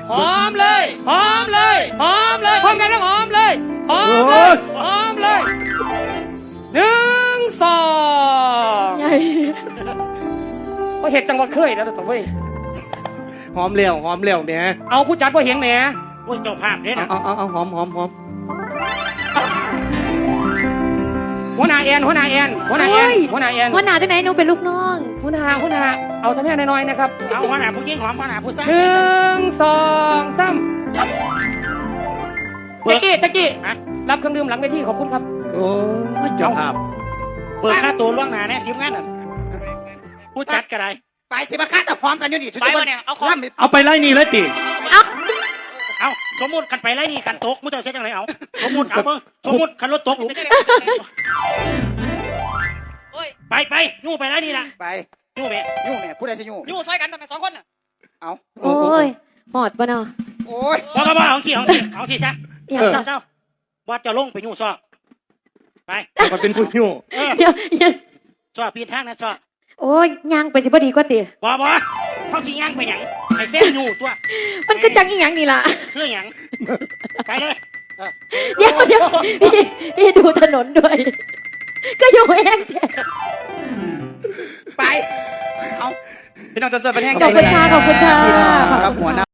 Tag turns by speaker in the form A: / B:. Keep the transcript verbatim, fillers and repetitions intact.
A: หอมเลยหอมเลยหอมเลยพร้อมกันแล้วหอมเลยหอมเลยหอมเลยหนึ่งสองว่าเห็ดจังหวัดเคยแล้วตัวเว้ย
B: หอมเลี้ยวหอมเลี้ยวแหม่
A: เอาผู้จัดว่าเห็นแหม
C: โอ้ยเจ้าภาพเนี่ย
B: เอา
C: นะ
B: เอาเอาเอาหอมหอมหอม
A: หัวหน้าแอนหัวหน้าแอนหัวหน้าแอนหัวหน้าแอน
D: หัวหน้าจังไหนหนูเป็นลูกน้อง
A: หัวหน้าหัวหน้าเอาทำแม่น้อยๆนะครับ
C: เอาขนาดผู้หญิงหอมขนาดผู้ชาย
A: หนึ่งสองสามตะกี้ตะกี้
C: ฮะ
A: รับเครื่องดื่มหลังเวทีขอบคุณครับ
B: โอ้ยเจ้าภาพ
C: เปิดค่าตัวล่วงหน้าแน่สิบงานน่ะผู้จัดก็ได้
E: ไปสิมาฆ่าแต่พร้อมกันอยู่นี่
A: ไปวะเนี่ยเอาของ
E: ล่ำ
B: เอาไปไล่นี่เลยติ
D: เอ้า
C: เอาสมมุติกันไปไรนี่กันตกมุ้งเจ้าเสียจังไรเอาสมมุติเอาเพิ่งสมมุติคันรถตกหลุมไปไปยู่ไปไรนี่ละ
E: ไป
C: ยู่แม่
E: ยู่แม่ผู้ใดสิยู่
A: อยู่ซอยกันทำไมสองคนน่ะ
E: เอา
D: โอ้ยหอดปะเนาะ
E: โอ้ย
C: บอกกับว่าเอาสิเอาสิเอาสิซะ
D: อย่า
C: เศร้าเศร้าวัดจะลงไปยู่ซอไป
B: มันเป็นผู้หิ้ว
C: เออ
D: เดี๋ยวอย่า
C: ซอปีนทางนะซอ
D: โอ้ยย่างไปสิพอดีกว่าติ
C: บ่บ่เขาจิย่างไปหยังไอ้เส้นยู่ตัว
D: มันก็จังอีหยังนี่ล่ะ
C: คือหยังไปเลย
D: เดี๋ยวเดี๋ยวพี่พี่ดูถนนด้วย ก็อยู่เองแท้
E: ไปเอา
A: พี่น้องจะเสิร์ฟเป็นแห้ง
D: ขอบคุณค่ะขอบคุณค่ะ
E: ครับหัวหน้า